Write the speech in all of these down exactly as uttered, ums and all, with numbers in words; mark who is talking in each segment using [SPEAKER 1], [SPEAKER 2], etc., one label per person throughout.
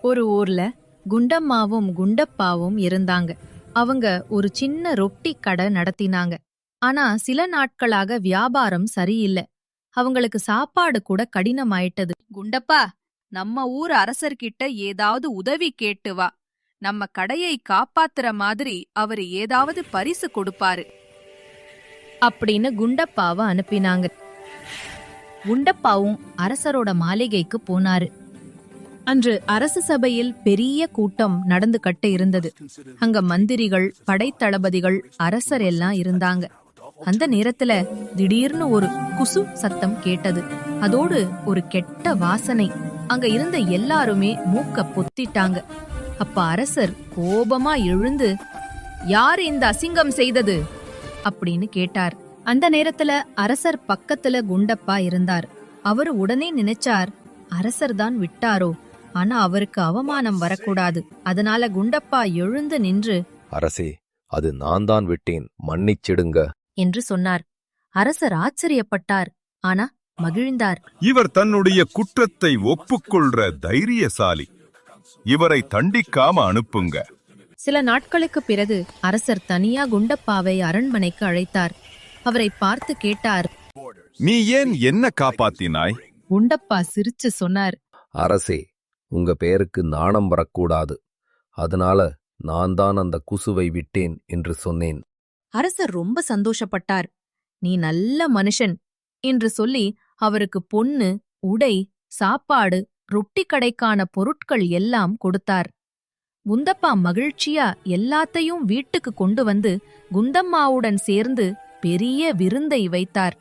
[SPEAKER 1] ஒரு ஊர்ல குண்டம்மாவும் குண்டப்பாவும் இருந்தாங்க. அவங்க ஒரு சின்ன ரொட்டி கடை நடத்தினாங்க. ஆனா சில நாட்களாக வியாபாரம் சரியில்லை. அவங்களுக்கு சாப்பாடு கூட கடினமாயிட்டது.
[SPEAKER 2] குண்டப்பா, நம்ம ஊர் அரசர்கிட்ட ஏதாவது உதவி கேட்டு வா. நம்ம கடையை காப்பாத்துற மாதிரி அவரு ஏதாவது பரிசு கொடுப்பாரு.
[SPEAKER 1] அப்படின்னு குண்டப்பாவை அனுப்பினாங்க. குண்டப்பாவும் அரசரோட மாளிகைக்கு போனாரு. அன்று அரசு சபையில் பெரிய கூட்டம் நடந்து கட்ட இருந்தது. அங்க மந்திரிகள், படைத்தளபதிகள், அரசர் எல்லாம் இருந்தாங்க. அந்த நேரத்துல திடீர்னு ஒரு குசு சத்தம் கேட்டது. அதோடு ஒரு கெட்ட வாசனை. அங்க இருந்த எல்லாருமே மூக்க பொத்திட்டாங்க. அப்ப அரசர் கோபமா எழுந்து, யார் இந்த அசிங்கம் செய்தது அப்படின்னு கேட்டார். அந்த நேரத்துல அரசர் பக்கத்துல குண்டப்பா இருந்தார். அவரு உடனே நினைச்சார், அரசர் தான் விட்டாரோ, ஆனா அவருக்கு அவமானம் வரக்கூடாது. அதனால குண்டப்பா எழுந்து நின்று,
[SPEAKER 3] அரசே, அது நான் தான் விட்டேன், மன்னிச்சிடுங்க
[SPEAKER 1] என்று சொன்னார். அரசர் ஆச்சரியப்பட்டார், ஆனா மகிழ்ந்தார்.
[SPEAKER 4] இவர் தன்னுடைய குற்றத்தை ஒப்புக்கொள்ற தைரியசாலி. இவரை தண்டிக்காம அனுப்புங்க.
[SPEAKER 1] சில நாட்களுக்கு பிறகு அரசர் தனியா குண்டப்பாவை அரண்மனைக்கு அழைத்தார். அவரை பார்த்து கேட்டார்,
[SPEAKER 4] நீ ஏன் என்ன காப்பாத்தினாய்?
[SPEAKER 1] குண்டப்பா சிரிச்சு சொன்னார்,
[SPEAKER 3] அரசே, உங்க பேருக்கு நாணம் வரக்கூடாது. அதனால நான் தான் அந்த குசுவை விட்டேன் என்று சொன்னேன்.
[SPEAKER 1] அரசர் ரொம்ப சந்தோஷப்பட்டார். நீ நல்ல மனுஷன் என்று சொல்லி அவருக்கு பொன்னு, உடை, சாப்பாடு, ரொட்டி கடைக்கான பொருட்கள் எல்லாம் கொடுத்தார். குண்டப்பா மகிழ்ச்சியா எல்லாத்தையும் வீட்டுக்கு கொண்டு வந்து குண்டம்மாவுடன் சேர்ந்து பெரிய விருந்தை வைத்தார்.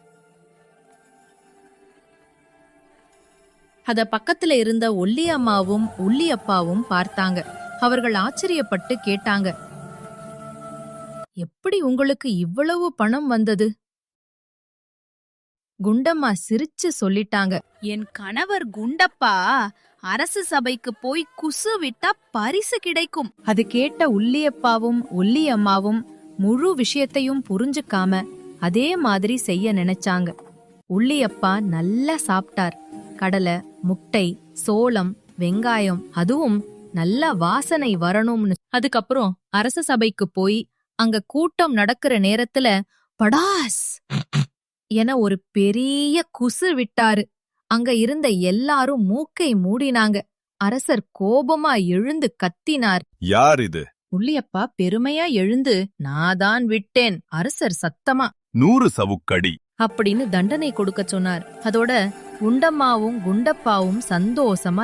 [SPEAKER 1] அத பக்கத்துல இருந்த ஒல்லி அம்மாவும் உள்ளி அப்பாவும் பார்த்தாங்க. அவர்கள் ஆச்சரியப்பட்டு கேட்டாங்க, எப்படி உங்களுக்கு இவ்வளவு பணம் வந்தது? குண்டம்மா சிரிச்சு சொல்லிட்டாங்க,
[SPEAKER 2] என் கணவர் குண்டப்பா அரசு சபைக்கு போய் குசு விட்டா பரிசு கிடைக்கும்.
[SPEAKER 1] அது கேட்ட உள்ளியப்பாவும் ஒல்லி அம்மாவும் முழு விஷயத்தையும் புரிஞ்சுக்காம அதே மாதிரி செய்ய நினைச்சாங்க. உள்ளியப்பா நல்லா சாப்பிட்டார். கடலை, முட்டை, சோளம், வெங்காயம், அதுவும் நல்ல வாசனை வரணும்னு. அதுக்கப்புறம் அரச சபைக்கு போய் அங்க கூட்டம் நடக்கிற நேரத்துல படாஸ் என ஒரு பெரிய குசு விட்டாரு. அங்க இருந்த எல்லாரும் மூக்கை மூடினாங்க. அரசர் கோபமா எழுந்து கத்தினார்.
[SPEAKER 4] யார் இது?
[SPEAKER 1] உள்ளியப்பா பெருமையா எழுந்து, நாதான் விட்டேன், அரசர் சத்தமா
[SPEAKER 4] நூறு சவுக்கடி
[SPEAKER 1] அப்படின்னு தண்டனை கொடுக்க சொன்னார். அதோட குண்டம்மாவும் குண்டப்பாவும் சந்தோஷமா